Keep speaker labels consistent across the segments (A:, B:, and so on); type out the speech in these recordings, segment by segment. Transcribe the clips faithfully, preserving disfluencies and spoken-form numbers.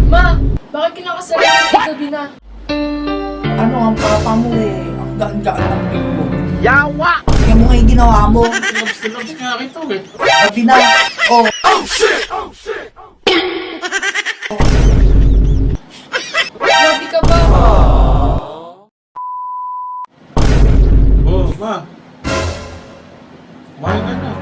A: Ma, bakit kinakasalan ng gabi na?
B: Ano ang papa mo eh? Ang gaan-gaan ng pingo.
C: Yawa!
B: Kaya mo nga yung ginawa mo.
D: Labs na labs nga kita eh.
B: Gabi na. Oh,
A: Grabe ka ba?
D: Oh, ma. Kumain ka na.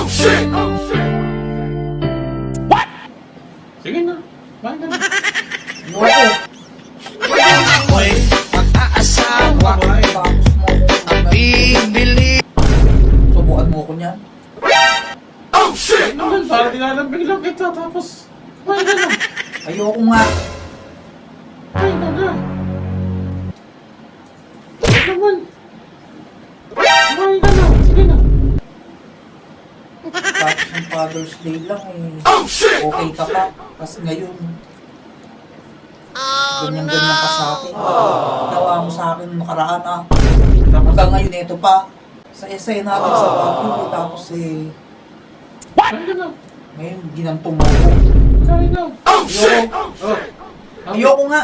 D: Sige na. Kumain ka na.
B: ano ako?
C: Ako'y mag-aasawa.
B: Tapos mo
C: Ang bibili.
B: subukan mo ko niyan.
D: Ay naman, parang dinalambing lang kita. Tapos, kumain ka na.
B: Ayoko nga.
D: Kumain ka na. Ay naman. Kumain ka na. Sige na.
B: Tapos ng Father's Day lang eh. Okay ka pa. Kasi ngayon, ganyan-ganyan ka sa akin. Gawa mo sa akin nung nakaraan ah. Hanggang ngayon ito pa. Sa essay natin sa Baguio. Tapos eh,
D: Kumain ka na.
B: ngayon ginantong mo ko.
D: Kain na.
B: Ayoko.
D: Oh.
B: Ayoko nga.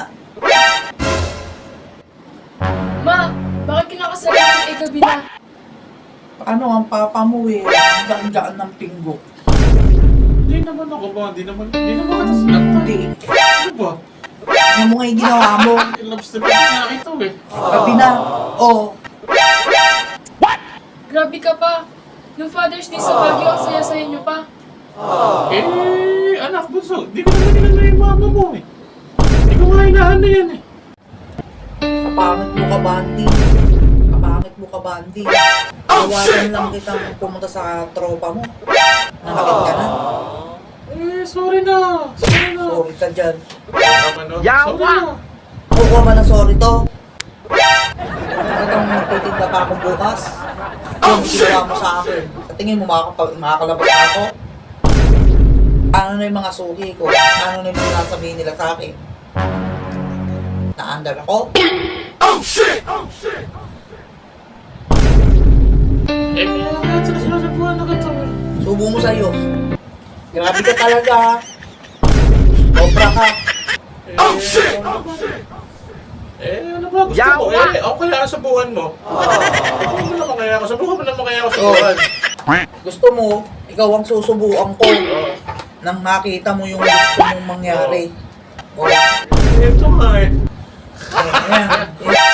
A: Ma, bakit kinakasalan ng gabi na?
B: Ano ang papa mo eh? Ang gaan-gaan ng pinggo.
D: Hindi naman ako ba? Hindi naman, hindi naman kita sinaktan.
B: Hindi.
D: Ano ba?
B: Kaya mo nga yung ginawa mo.
D: Labs na labs nga kita eh.
B: Gabi na. Oh,
A: Grabe ka pa. Nung Father's Day sa Baguio, ang saya-saya niyo pa.
D: Eh, anak bunso, di ko naman inano yung mama mo eh. Di ko nga inaano yan eh.
B: kapangit mo ka, Bandi. Kapangit mo ka, Bandi. Tawagan lang kitang pumunta sa tropa mo. Nakakit ka na.
D: Eh, sorry na. Sorry na.
B: Sorry ka dyan.
D: Naman, no?
C: Yawa!
D: Sorry na.
B: Kukuha ba ng sorry to? Itong magtitinda pa ako bukas. Yung ginawa mo sa akin. Sa tingin mo makakapag, makakalabas na ako? Ano na yung mga suki ko? Ano na yung mga nasabihin nila sa akin? Naandar ako?
D: Eh, kaya nga sila sinasabuhan na kita eh.
B: Subo mo sa'yo. Grabe ka talaga. Sobra ka.
D: Eh, ano ba? Eh, ano ba gusto mo?
C: Yawa!
D: Eh, ako kaya sa buwan mo. Subukan mo naman kaya ako. Subukan mo naman kaya ako sa
B: Oh.
D: buwan.
B: Gusto mo, ikaw ang susubuan ko.
D: Oh.
B: Nang makita mo yung gusto mong mangyari. Oh,
D: Eh, ito nga eh.
B: ayan.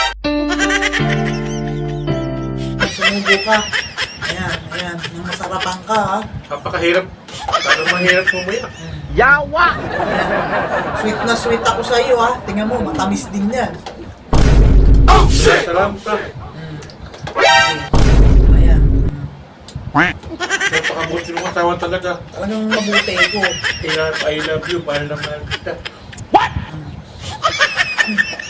B: Sumubo ka. Ayan, ayan. Nang masarapan ka, ha?
D: Napakahirap. Parang mahirap umuyak.
C: Yawa!
B: Ayan. Sweet na sweet ako sa iyo, ha? Tingnan mo, matamis din yan.
D: Salamat ka.
B: Mm. Okay. Ayan. Mm.
D: Napakabuti mo katawan talaga.
B: Talagang mabuti ko.
D: I love, I love you. Mahal na mahal kita.
B: Mm.